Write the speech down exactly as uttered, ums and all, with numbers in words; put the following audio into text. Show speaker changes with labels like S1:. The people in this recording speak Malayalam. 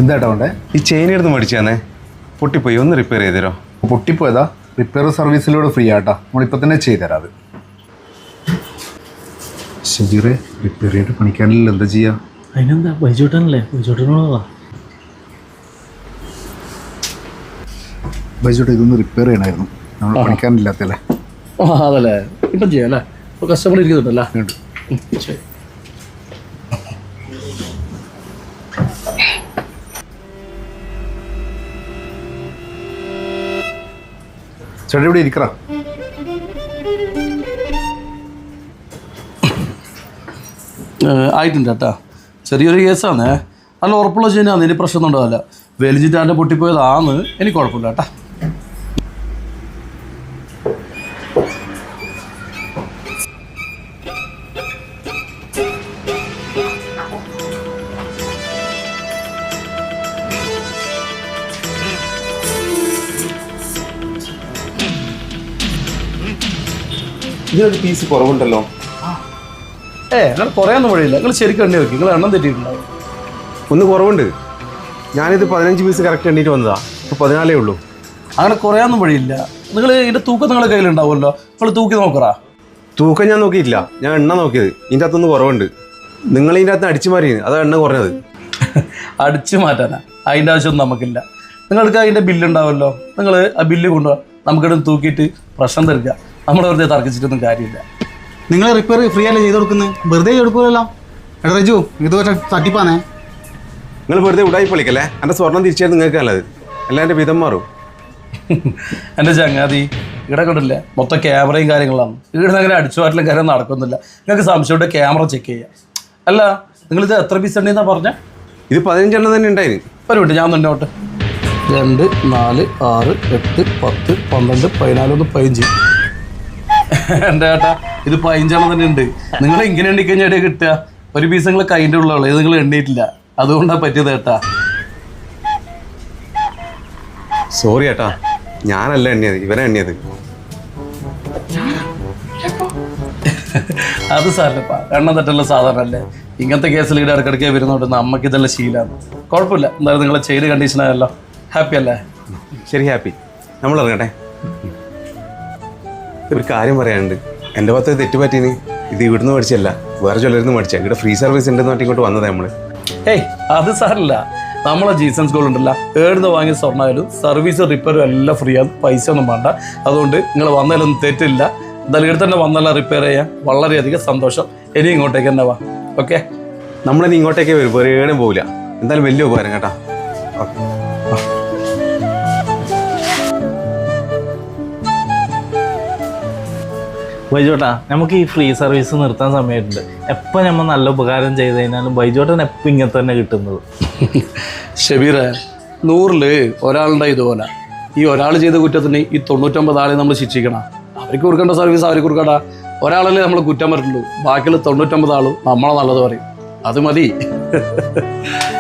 S1: എന്തായിട്ടാ വേണ്ടേ?
S2: ഈ ചെയിൻ എടുത്ത് മേടിച്ചാന്നേ, പൊട്ടിപ്പോയി, ഒന്ന് റിപ്പയർ ചെയ്ത് തരോ?
S1: പൊട്ടിപ്പോയതാ? റിപ്പയർ സർവീസിലൂടെ ഫ്രീ ആട്ടാ, നമ്മളിപ്പോൾ തന്നെ ചെയ്തുതരാം. അത് ഷബീറെ, റിപ്പയർ ചെയ്തിട്ട് പണിക്കാനില്ല, എന്താ ചെയ്യാ?
S3: അതിനെന്താ, ബൈജോട്ടനല്ലേ, ബൈജോട്ടനോടാ.
S1: ബൈജോട്ടെ, ഇതൊന്ന് റിപ്പയർ ചെയ്യണമായിരുന്നു, നമ്മൾ പണിക്കാനില്ലാത്തല്ലേ.
S3: ആ അതല്ലേ, ഇപ്പം ചെയ്യാം അല്ലേ? ഇപ്പോൾ കസ്റ്റമർ ഇരിക്കുന്നുണ്ടല്ലേ? ശരി.
S1: ചേട്ടാ ഇവിടെ ഇരിക്കറ.
S3: ആയിട്ടുണ്ട് കേട്ടാ, ചെറിയൊരു കേസാണ്. നല്ല ഉറപ്പുള്ള ചെയ്യുന്ന അതിന് പ്രശ്നമൊന്നും ഉണ്ടാവില്ല. വലിച്ചിട്ടാൻ്റെ പൊട്ടിപ്പോയതാന്ന് എനിക്ക് കുഴപ്പമില്ല കേട്ടാ.
S2: ഇതിനൊരു പീസ് കുറവുണ്ടല്ലോ.
S3: ഏ നിങ്ങൾ കുറയാനൊന്നും വഴിയില്ല, നിങ്ങൾ ശരിക്കും എണ്ണി വെക്കും, നിങ്ങൾ എണ്ണം തെറ്റിയിട്ടുണ്ടാവും.
S2: ഒന്ന് കുറവുണ്ട്. ഞാനിത് പതിനഞ്ച് പീസ് കറക്റ്റ് എണ്ണീറ്റ് വന്നതാ, ഇപ്പോൾ പതിനാലേ ഉള്ളൂ.
S3: അങ്ങനെ കുറയാനൊന്നും വഴിയില്ല. നിങ്ങൾ ഇതിൻ്റെ തൂക്കം നിങ്ങളുടെ കയ്യിലുണ്ടാവുമല്ലോ, നിങ്ങൾ തൂക്കി നോക്കറാ.
S2: തൂക്കം ഞാൻ നോക്കിയിട്ടില്ല, ഞാൻ എണ്ണ നോക്കിയത്. ഇതിൻ്റെ അകത്തൊന്ന് കുറവുണ്ട്. നിങ്ങൾ ഇതിൻ്റെ അകത്ത് അടിച്ചു മാറി, അതാ എണ്ണ കുറഞ്ഞത്.
S3: അടിച്ചു മാറ്റാനാ? അതിൻ്റെ ആവശ്യമൊന്നും നമുക്കില്ല. നിങ്ങൾക്ക് അതിൻ്റെ ബില്ലുണ്ടാവുമല്ലോ, നിങ്ങൾ ആ ബില്ല് കൊണ്ടുപോകാം, നമുക്കിവിടെ തൂക്കിയിട്ട് പ്രശ്നം തീർക്കുക. നമ്മൾ വെറുതെ തർക്കിച്ചിട്ടൊന്നും കാര്യമില്ല.
S4: നിങ്ങൾ റിപ്പയർ ഫ്രീ അല്ലേ ചെയ്ത് കൊടുക്കുന്നത്? വെറുതെ എടുക്കുമല്ലോ. എടാ റജു, ഇത് തട്ടിപ്പാണേ.
S2: നിങ്ങൾ വെറുതെ ഉടായി പൊളിക്കല്ലേ. എൻ്റെ സ്വർണം തിരിച്ചാൽ നിങ്ങൾക്ക് നല്ലത്, അല്ല എൻ്റെ വിധം മാറും.
S3: എൻ്റെ ചങ്ങാതി ഇവിടെ കണ്ടില്ലേ, മൊത്തം ക്യാമറയും കാര്യങ്ങളാണ്. ഇവിടെ അങ്ങനെ അടിച്ചു മാറ്റലും കാര്യം നടക്കുന്നില്ല. നിങ്ങൾക്ക് സംശയമുണ്ട്, ക്യാമറ ചെക്ക് ചെയ്യുക. അല്ല, നിങ്ങളിത് എത്ര പീസ് ഉണ്ടെന്നാ പറഞ്ഞ?
S2: ഇത് പതിനഞ്ചെണ്ണം തന്നെ ഉണ്ടായിരുന്നു.
S3: ഒരു മിനിറ്റ്, ഞാൻ മുന്നോട്ട്. രണ്ട് നാല് ആറ് എട്ട് പത്ത് പന്ത്രണ്ട് പതിനാലൊന്ന് പതിനഞ്ച്. എൻ്റെ ചേട്ടാ, ഇത് പതിനഞ്ചെണ്ണം തന്നെ ഉണ്ട്. നിങ്ങൾ ഇങ്ങനെ എണ്ണിക്കഴിഞ്ഞാൽ എവിടെയാ കിട്ടുക? ഒരു പീസ് നിങ്ങൾ കൈൻ്റെ ഉള്ളൂ, ഇത് നിങ്ങൾ എണ്ണിയിട്ടില്ല, അതുകൊണ്ടാണ് പറ്റിയത് ചേട്ടാ.
S2: സോറി ഏട്ടാ, ഞാനല്ല എണ്ണിയത്, ഇവനെ എണ്ണിയത്.
S3: അത് സാരല്ലപ്പാ, എണ്ണം തെറ്റല്ല സാധാരണ അല്ലേ. ഇങ്ങനത്തെ കേസിൽ ഇവിടെ ഇടയ്ക്കിടയ്ക്ക് വരുന്നതുകൊണ്ട് നമുക്ക് ഇതെല്ലാം ശീലമാണ്. കുഴപ്പമില്ല. എന്തായാലും നിങ്ങളെ ചെയ്ത് കണ്ടീഷനായല്ലോ, ഹാപ്പി അല്ലേ?
S2: ശരി, ഹാപ്പി. നമ്മൾ ഇറങ്ങട്ടെ. ഒരു കാര്യം പറയാനുണ്ട്. എൻ്റെ ഭാഗത്ത് തെറ്റ് പറ്റീന്. ഇത് ഇവിടുന്ന് മേടിച്ചല്ല, വേറെ ചിലരുന്ന് മേടിച്ചാൽ. ഇവിടെ ഫ്രീ സർവീസ് ഉണ്ടെന്ന് പറഞ്ഞിട്ട് ഇങ്ങോട്ട് വന്നതാണ് നമ്മൾ.
S3: ഏയ് അത് സാരല്ല, നമ്മളെ ജീസൻസ് ഗോൾഡ് ഉണ്ടല്ലോ, ഏടുന്ന് വാങ്ങിയ സ്വർണ്ണമായാലും സർവീസ് റിപ്പയറും എല്ലാം ഫ്രീ ആണ്, പൈസ ഒന്നും വേണ്ട. അതുകൊണ്ട് നിങ്ങൾ വന്നതിലൊന്നും തെറ്റില്ല. എന്തായാലും ഇവിടെ തന്നെ വന്നല്ല റിപ്പയർ ചെയ്യാൻ വളരെയധികം സന്തോഷം. ഇനി ഇങ്ങോട്ടേക്ക് തന്നെ വാ. ഓക്കെ,
S2: നമ്മളിനി ഇങ്ങോട്ടേക്ക് വരും, വേറെ ഏടും പോവില്ല. എന്തായാലും വലിയ ഉപകാരം കേട്ടാ. ഓക്കെ.
S5: ബൈജോട്ടാ, നമുക്ക് ഈ ഫ്രീ സർവീസ് നിർത്താൻ സമയമുണ്ട്. എപ്പോൾ നമ്മൾ നല്ല ഉപകാരം ചെയ്ത് കഴിഞ്ഞാലും ബൈജോട്ടൻ എപ്പോൾ ഇങ്ങനെ തന്നെ കിട്ടുന്നത്.
S3: ഷബീറെ, നൂറില് ഒരാളുടെ ഇതുപോലെ ഈ ഒരാൾ ചെയ്ത കുറ്റത്തിന് ഈ തൊണ്ണൂറ്റൊമ്പത് ആളെ നമ്മൾ ശിക്ഷിക്കണം. അവർക്ക് കൊടുക്കേണ്ട സർവീസ് അവർക്ക് കൊടുക്കണ്ട. ഒരാളല്ലേ നമ്മൾ കുറ്റം പറ്റുള്ളൂ, ബാക്കിയുള്ള തൊണ്ണൂറ്റൊമ്പത് ആളും നമ്മളെ നല്ലത് പറയും. അത് മതി.